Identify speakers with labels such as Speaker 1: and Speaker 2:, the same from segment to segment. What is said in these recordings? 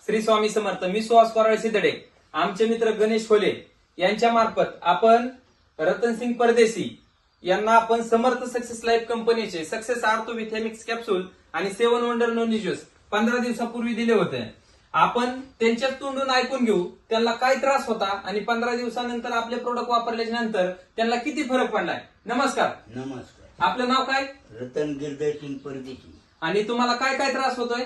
Speaker 1: श्री स्वामी समर्थ. मी सुहास कोराळे सिद्धडे. आमचे मित्र गणेश खोले यांच्या मार्फत आपण रतनसिंग परदेशी यांना आपण समर्थ सक्सेस लाईफ कंपनीचे सक्सेस आर्थो विथॅमिक्स कॅप्सूल आणि 7 वंडर नोनी ज्यूस 15 दिवसापूर्वी दिले होते. आपण त्यांच्या तोंडून ऐकून घेऊ त्यांना काय त्रास होता आणि 15 दिवसानंतर आपले प्रोडक्ट वापरल्याच्या नंतर त्यांना किती फरक पडलाय. नमस्कार.
Speaker 2: नमस्कार.
Speaker 1: आपलं नाव काय?
Speaker 2: रतन गिरधरसिंग परदेशी.
Speaker 1: आणि तुम्हाला काय काय त्रास होतोय?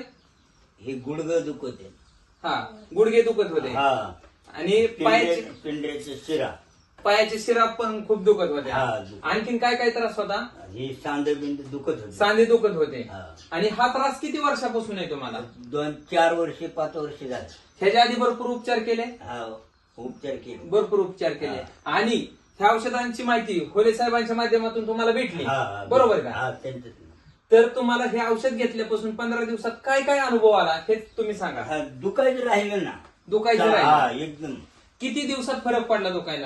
Speaker 2: हे गुडघं दुखत आहे.
Speaker 1: हा, गुडघे दुखत होते
Speaker 2: हा,
Speaker 1: आणि
Speaker 2: पिंढऱ्याचे शिरा,
Speaker 1: पायाचे शिरा पण खूप दुखत होते.
Speaker 2: हा.
Speaker 1: आणखीन काय काय त्रास होता?
Speaker 2: हे सांधेबिंद दुखत होते.
Speaker 1: सांधे दुखत होते.
Speaker 2: हा.
Speaker 1: आणि हा त्रास किती वर्षापासून आहे तुम्हाला?
Speaker 2: 2-4 वर्षे 5 वर्षे झाले.
Speaker 1: ह्याच्या आधी भरपूर उपचार केले?
Speaker 2: हा, उपचार केले.
Speaker 1: भरपूर उपचार केले. आणि ह्या औषधांची माहिती खोले साहेबांच्या माध्यमातून तुम्हाला भेटली,
Speaker 2: हा,
Speaker 1: बरोबर का?
Speaker 2: हा, त्यांचं.
Speaker 1: तर तुम्हाला हे औषध घेतल्यापासून 15 दिवसात काय काय अनुभव आला हे तुम्ही सांगा.
Speaker 2: हा, दुखायचं राहिलं ना.
Speaker 1: दुखायचं
Speaker 2: हा,
Speaker 1: राहिलं.
Speaker 2: एकदम.
Speaker 1: किती दिवसात फरक पडला दुखायला?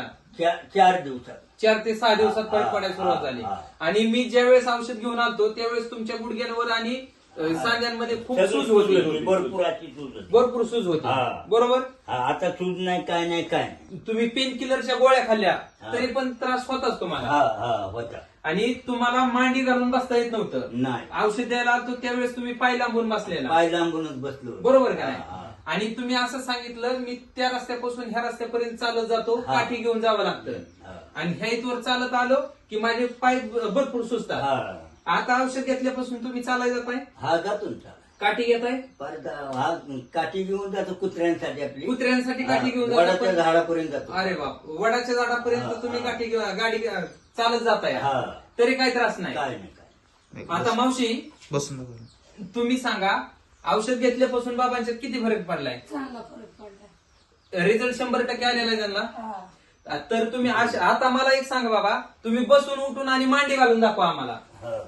Speaker 2: 4 दिवसात.
Speaker 1: 4 ते 6 दिवसात
Speaker 2: हा,
Speaker 1: फरक पडायला सुरुवात झाली. आणि मी ज्यावेळेस औषध घेऊन आलतो त्यावेळेस तुमच्या गुडघ्यांवर आणि सांध्यांमध्ये खूप सूज होती.
Speaker 2: भरपूर अशी सूज होती.
Speaker 1: भरपूर सूज होती,
Speaker 2: हा.
Speaker 1: बरोबर.
Speaker 2: हा, आता सूज नाही, काय नाही, काय नाही.
Speaker 1: तुम्ही पेन किलरच्या गोळ्या खाल्ल्या
Speaker 2: हा.
Speaker 1: तरी पण त्रास होताच तुम्हाला.
Speaker 2: हा, हा, होता.
Speaker 1: आणि तुम्हाला मांडी घालून बसता येत नव्हतं.
Speaker 2: नाही,
Speaker 1: औषध द्यायला आलतो त्यावेळेस तुम्ही पाय लांबून बसलेला,
Speaker 2: पाय लांबूनच बसलो.
Speaker 1: बरोबर का
Speaker 2: हा,
Speaker 1: नाही?
Speaker 2: हा.
Speaker 1: आणि तुम्ही असं सांगितलं मी त्या रस्त्यापासून ह्या रस्त्यापर्यंत चालत जातो,
Speaker 2: हा.
Speaker 1: काठी घेऊन जावं लागतं.
Speaker 2: हा.
Speaker 1: आणि ह्या इथवर चालत आलो की माझे पाय भरपूर सुचतात.
Speaker 2: हा,
Speaker 1: आता औषध घेतल्यापासून तुम्ही चालायला जाताय,
Speaker 2: हा, जातो ना.
Speaker 1: काठी घेताय,
Speaker 2: परत हा काठी घेऊन जातो कुत्र्यांसाठी आपली.
Speaker 1: कुत्र्यांसाठी काठी घेऊन
Speaker 2: वडाच्या
Speaker 1: जाता.
Speaker 2: झाडापर्यंत जातो.
Speaker 1: अरे बाप, वडाच्या झाडापर्यंत
Speaker 2: हा,
Speaker 1: तुम्ही
Speaker 2: हा.
Speaker 1: काठी गाडी चालत जाताय,
Speaker 2: हा.
Speaker 1: तरी काही त्रास नाही.
Speaker 2: काय नाही, काय.
Speaker 1: आता मावशी
Speaker 3: बसून
Speaker 1: तुम्ही सांगा, औषध घेतल्यापासून बाबांच्यात किती फरक पडलाय?
Speaker 4: चांगला फरक पडला.
Speaker 1: रिझल्ट 100% आलेला आहे त्यांना.
Speaker 4: हा.
Speaker 1: तर तुम्ही आता मला एक सांगा बाबा, तुम्ही बसून उठून आणि मांडी घालून दाखवा आम्हाला.
Speaker 2: हा.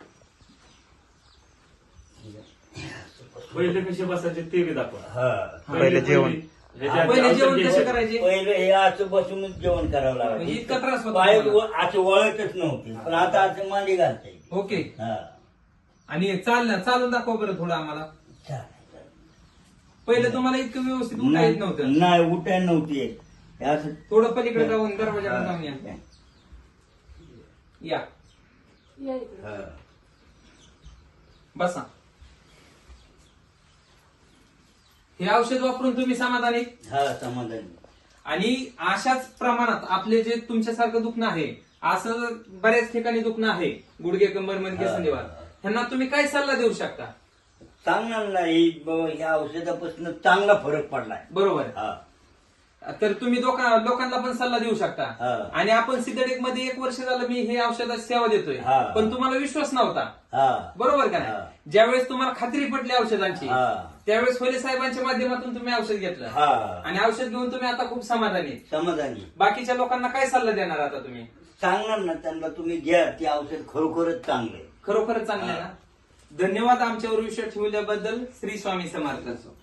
Speaker 5: पहिले कसे बसायचे ते बी दाखवा.
Speaker 2: हा.
Speaker 3: पहिले जेवण.
Speaker 1: पहिले जेवण कसे करायचे?
Speaker 2: पहिलं हे असं बसूनच जेवण करावं
Speaker 1: म्हणजे इतका त्रास
Speaker 2: लागतं.
Speaker 1: होता
Speaker 2: पाय
Speaker 1: तुम्हाला?
Speaker 2: असं वळतच नव्हते, पण आता असं मांडी घालता येते.
Speaker 1: ओके.
Speaker 2: हा.
Speaker 1: आणि चालून दाखवा बरं थोडं आम्हाला.
Speaker 2: चालेल.
Speaker 1: पहिलं तुम्हाला इतकं व्यवस्थित उठता येत नव्हतं.
Speaker 2: नाही, उठायला नव्हती येत. हे असं
Speaker 1: थोडं पलीकडे जाऊन दरवाजाकडे जाऊन या. या,
Speaker 4: या इकडे.
Speaker 2: हा.
Speaker 1: बसा. हे औषध वापरून तुम्ही समाधानी?
Speaker 2: हा, समाधान.
Speaker 1: आणि अशाच प्रमाणात आपले जे तुमच्यासारखं दुखणं आहे, असं बऱ्याच ठिकाणी दुखणं आहे, गुडघे, कंबर, मणके,
Speaker 2: हा.
Speaker 1: संधिवात, ह्यांना तुम्ही काय सल्ला देऊ शकता?
Speaker 2: सांगणार नाही बाबा, ह्या औषधापासून चांगला फरक पडलाय.
Speaker 1: बरोबर.
Speaker 2: हा.
Speaker 1: तर तुम्ही लोकांना पण सल्ला देऊ शकता.
Speaker 2: हा.
Speaker 1: आणि आपण सिद्धटेक मध्ये 1 वर्ष झालं मी हे औषधाची सेवा देतोय,
Speaker 2: हा.
Speaker 1: पण तुम्हाला विश्वास नव्हता,
Speaker 2: हा.
Speaker 1: बरोबर का
Speaker 2: हा.
Speaker 1: नाही? ज्यावेळेस तुम्हाला खात्री पडली औषधांची,
Speaker 2: हा.
Speaker 1: त्यावेळेस खोले साहेबांच्या माध्यमातून तुम्ही औषध घेतलं.
Speaker 2: हा.
Speaker 1: आणि औषध घेऊन तुम्ही आता खूप समाधानी.
Speaker 2: समाधानी.
Speaker 1: बाकीच्या लोकांना काय सल्ला देणार आता तुम्ही?
Speaker 2: सांगणार ना त्यांना, तुम्ही घ्या, ते औषध खरोखरच चांगलं आहे.
Speaker 1: खरोखरच चांगलं आहे ना. धन्यवाद आमच्यावर विश्वास ठेवल्याबद्दल. श्री स्वामी समर्थ.